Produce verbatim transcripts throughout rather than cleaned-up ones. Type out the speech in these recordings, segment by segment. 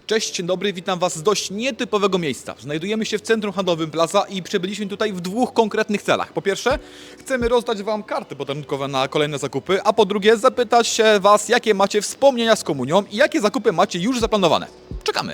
Cześć, dzień dobry, witam Was z dość nietypowego miejsca. Znajdujemy się w centrum handlowym Plaza i przybyliśmy tutaj w dwóch konkretnych celach. Po pierwsze, chcemy rozdać Wam karty podarunkowe na kolejne zakupy, a po drugie zapytać się Was, jakie macie wspomnienia z komunią i jakie zakupy macie już zaplanowane. Czekamy!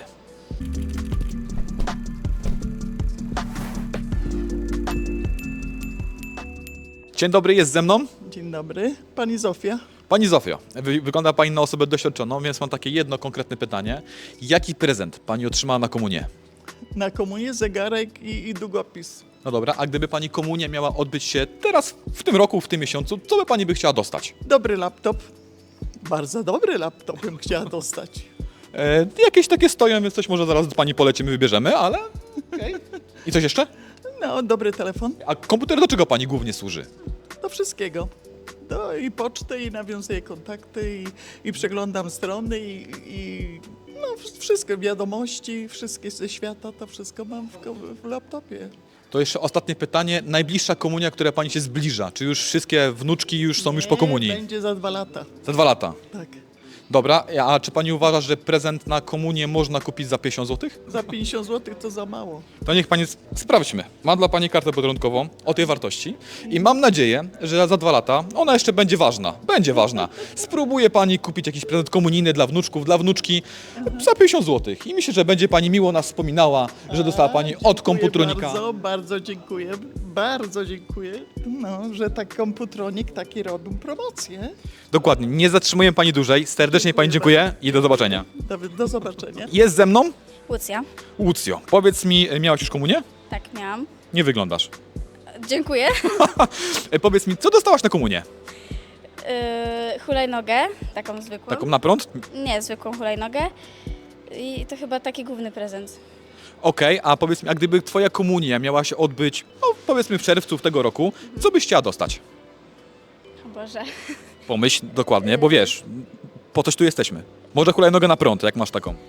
Dzień dobry, jest ze mną Dzień dobry, pani Zofia. Pani Zofio. Wy, wygląda Pani na osobę doświadczoną, więc mam takie jedno konkretne pytanie. Jaki prezent Pani otrzymała na komunię? Na komunię zegarek i, i długopis. No dobra, a gdyby Pani komunia miała odbyć się teraz, w tym roku, w tym miesiącu, co by Pani by chciała dostać? Dobry laptop. Bardzo dobry laptop bym chciała dostać. E, jakieś takie stoją, więc coś może zaraz do Pani polecimy, wybierzemy, ale okej. I coś jeszcze? No, dobry telefon. A komputer do czego Pani głównie służy? Do wszystkiego. Do i poczty, i nawiązuję kontakty, i, i przeglądam strony, i, i no wszystko, wiadomości, wszystkie ze świata, to wszystko mam w, ko- w laptopie. To jeszcze ostatnie pytanie. Najbliższa komunia, która Pani się zbliża. Czy już wszystkie wnuczki już są już po Nie, komunii? Będzie za dwa lata, Za dwa lata. tak. Dobra, a czy Pani uważa, że prezent na komunię można kupić za pięćdziesiąt złotych? Za pięćdziesiąt złotych to za mało. To niech Pani sp- sprawdźmy. Mam dla Pani kartę podarunkową o tej wartości i mam nadzieję, że za dwa lata ona jeszcze będzie ważna. Będzie ważna. Spróbuje Pani kupić jakiś prezent komunijny dla wnuczków, dla wnuczki za pięćdziesiąt złotych i myślę, że będzie Pani miło nas wspominała, że dostała Pani od Dziękuję komputronika. Bardzo, bardzo dziękuję, bardzo dziękuję, no, że tak komputronik taki robił promocję. Dokładnie. Nie zatrzymuję Pani dłużej. Serdecznie Pani dziękuję i do zobaczenia. Do, do zobaczenia. Jest ze mną Łucja. Łucjo. Powiedz mi, miałaś już komunię? Tak, miałam. Nie wyglądasz. Dziękuję. E, Powiedz mi, co dostałaś na komunię? Yy, hulajnogę, taką zwykłą. Taką na prąd? Nie, zwykłą hulajnogę. I to chyba taki główny prezent. Okej, a powiedz mi, a gdyby Twoja komunia miała się odbyć, no powiedzmy w czerwcu tego roku, co byś chciała dostać? O Boże. Pomyśl dokładnie, bo wiesz, po coś tu jesteśmy. Może hulajnogę na prąd, jak masz taką.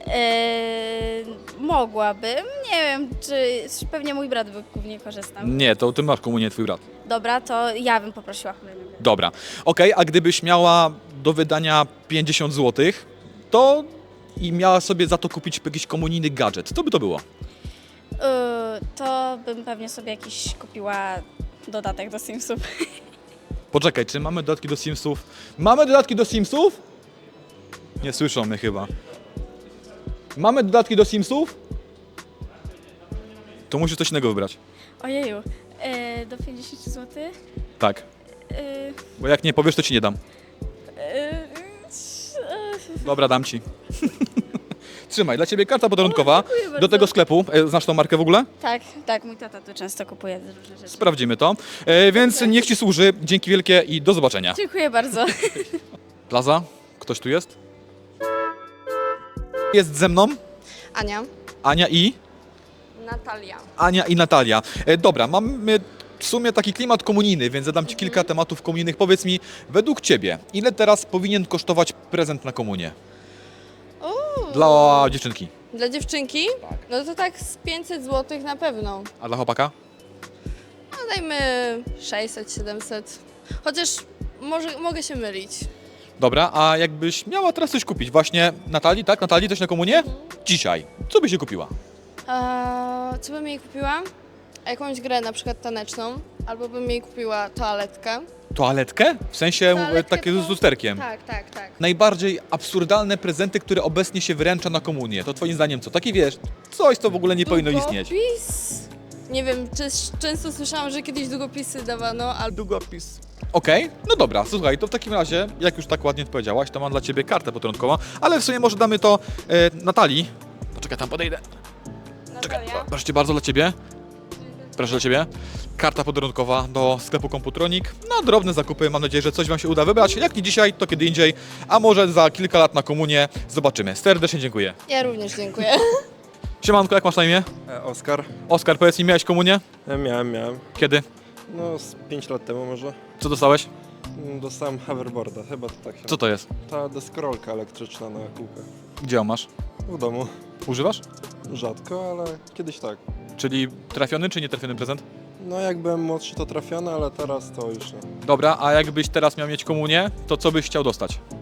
Yy, mogłabym. Nie wiem, czy czy pewnie mój brat by głównie korzystał. Nie, to Ty masz komunię, Twój brat. Dobra, to ja bym poprosiła hulajnogę. Dobra. Okej, a gdybyś miała do wydania pięćdziesiąt złotych, to i miała sobie za to kupić jakiś komunijny gadżet, co by to było? Yy, to bym pewnie sobie jakiś kupiła dodatek do Simsów. Poczekaj, czy mamy dodatki do Simsów? Mamy dodatki do Simsów? Nie słyszą mnie chyba. Mamy dodatki do Simsów? To musisz coś innego wybrać. Ojeju. Yy, do pięćdziesiąt złotych? Tak, Yy, bo jak nie powiesz, to ci nie dam. yy, Dobra, dam ci. Trzymaj, dla ciebie karta podarunkowa. O, dziękuję bardzo. Do tego sklepu. E, Znasz tą markę w ogóle? Tak, tak, mój tata tu często kupuje różne rzeczy. Sprawdzimy to. E, więc niech ci służy. Dzięki wielkie i do zobaczenia. Dziękuję bardzo. Plaza, ktoś tu jest? Jest ze mną Ania. Ania i Natalia. Ania i Natalia. E, dobra, mamy w sumie taki klimat komunijny, więc zadam ci kilka tematów komunijnych. Powiedz mi, według ciebie, ile teraz powinien kosztować prezent na komunię? Uuu. Dla dziewczynki. Dla dziewczynki? No to tak z pięćset złotych na pewno. A dla chłopaka? No dajmy sześćset, siedemset. Chociaż może, mogę się mylić. Dobra, a jakbyś miała teraz coś kupić, właśnie Natalii, tak? Natalii coś na komunię? Dzisiaj. Co byś się kupiła? Eee, co bym jej kupiła? Jakąś grę na przykład taneczną. Albo bym jej kupiła toaletkę. Toaletkę? W sensie e, Toaletkę takie to- z lusterkiem. Tak, tak, tak. Najbardziej absurdalne prezenty, które obecnie się wręcza na komunię. To twoim zdaniem co? Takie wiesz, coś co w ogóle nie powinno istnieć. Długopis? Nie wiem, czy, często słyszałam, że kiedyś długopisy dawano, albo... Długopis. Okej, no dobra, słuchaj, to w takim razie, jak już tak ładnie powiedziałaś, to mam dla ciebie kartę podarunkową, ale w sumie może damy to e, Natalii. Poczekaj, tam podejdę. Czekaj, Natalia? proszę cię bardzo, dla ciebie. Proszę dla ciebie. Karta podarunkowa do sklepu Komputronik. Na drobne zakupy, mam nadzieję, że coś wam się uda wybrać. Jak nie dzisiaj, to kiedy indziej, a może za kilka lat na komunię. Zobaczymy. Serdecznie dziękuję. Ja również dziękuję. Siemanko, jak masz na imię? E, Oskar. Oskar, powiedz mi, miałeś komunię? E, Miałem, miałem. Kiedy? No z pięć lat temu może. Co dostałeś? Mm, Dostałem hoverboarda, chyba to tak się Co to jest? Ta deskorolka elektryczna na kółkach. Gdzie ją masz? W domu. Używasz? Rzadko, ale kiedyś tak. Czyli trafiony czy nietrafiony prezent? No jak byłem młodszy to trafione, ale teraz to już nie. Dobra, a jakbyś teraz miał mieć komunię, to co byś chciał dostać? Mm,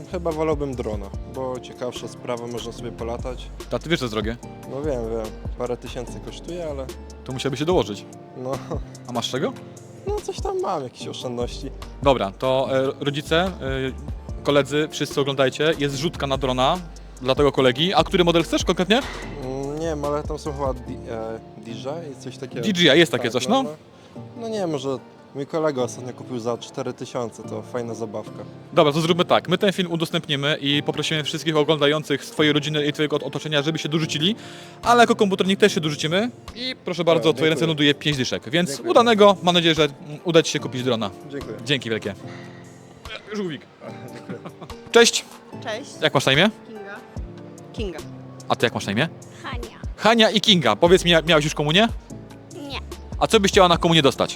chyba wolałbym drona, bo ciekawsza sprawa, można sobie polatać. A ty wiesz, co jest drogie? No wiem, wiem, parę tysięcy kosztuje, ale To musiałby się dołożyć. no, A masz czego? no coś tam mam, jakieś oszczędności. Dobra, to e, rodzice, e, koledzy, wszyscy oglądajcie. Jest rzutka na drona dla tego kolegi. A który model chcesz konkretnie? Mm, nie wiem, ale tam są chyba D- e, D J i coś takiego. D J I, jest takie Tak, coś, no. no. No nie, może mój kolega ostatnio kupił za cztery tysiące, to fajna zabawka. Dobra, to zróbmy tak. My ten film udostępnimy i poprosimy wszystkich oglądających z twojej rodziny i twojego otoczenia, żeby się dorzucili, ale jako komputernik też się dorzucimy i proszę bardzo, Dobra, twoje ręce dziękuję. ląduje pięć dyszek, więc Dziękuję udanego, mam nadzieję, że mm, uda ci się kupić drona. Dziękuję. Dzięki wielkie. Żółwik. Cześć, Cześć, jak masz na imię? Kinga. Kinga. A ty jak masz na imię? Hania. Hania i Kinga. Powiedz mi, miałeś już komunię? Nie. A co byś chciała na komunię dostać?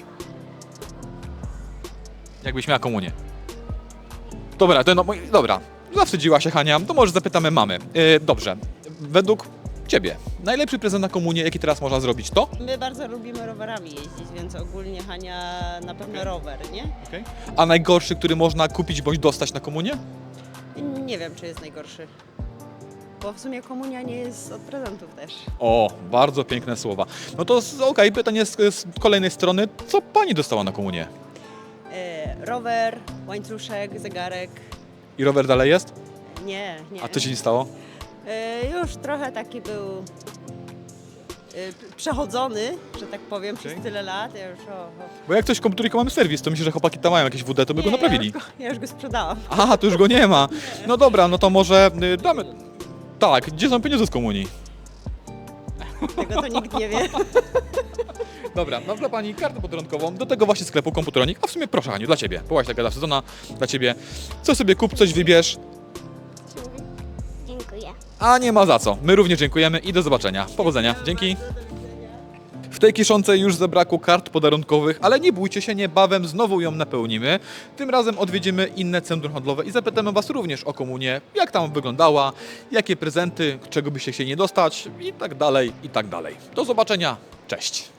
Jakbyś miała komunię. Dobra, to no, moi- dobra. Zawstydziła się Hania, to może zapytamy mamy. Yy, dobrze, według ciebie, najlepszy prezent na komunię, jaki teraz można zrobić, to? My bardzo lubimy rowerami jeździć, więc ogólnie Hania na pewno rower, nie? A najgorszy, który można kupić bądź dostać na komunię? Nie wiem, czy jest najgorszy. Bo w sumie komunia nie jest od prezentów też. O, bardzo piękne słowa. No to z- okej, pytanie z, z kolejnej strony, co pani dostała na komunię? E, rower, łańcuszek, zegarek. I rower dalej jest? Nie, nie. A co się nie stało? E, już trochę taki był e, p- przechodzony, że tak powiem, Okej. przez tyle lat. Ja już, o, o. Bo jak coś komputernika mamy serwis, to myślę, że chłopaki tam mają jakieś W D, to by go Nie, naprawili. Ja już go, ja już go sprzedałam. Aha, to już go nie ma. No dobra, no to może y, damy... Tak, gdzie są pieniądze z komunii? Tego to nikt nie wie. Dobra, mam dla pani kartę podrękową do tego właśnie sklepu Komputronik. A w sumie proszę Haniu, dla ciebie. Byłaś taka sezona, dla ciebie. Co sobie kup, coś wybierz. Dziękuję. A nie ma za co. My również dziękujemy i do zobaczenia. Powodzenia. Dzięki. W tej kiszonce już zabrakło kart podarunkowych, ale nie bójcie się, niebawem znowu ją napełnimy. Tym razem odwiedzimy inne centrum handlowe i zapytamy Was również o komunię, jak tam wyglądała, jakie prezenty, czego byście chcieli nie dostać i tak dalej, i tak dalej. Do zobaczenia. Cześć.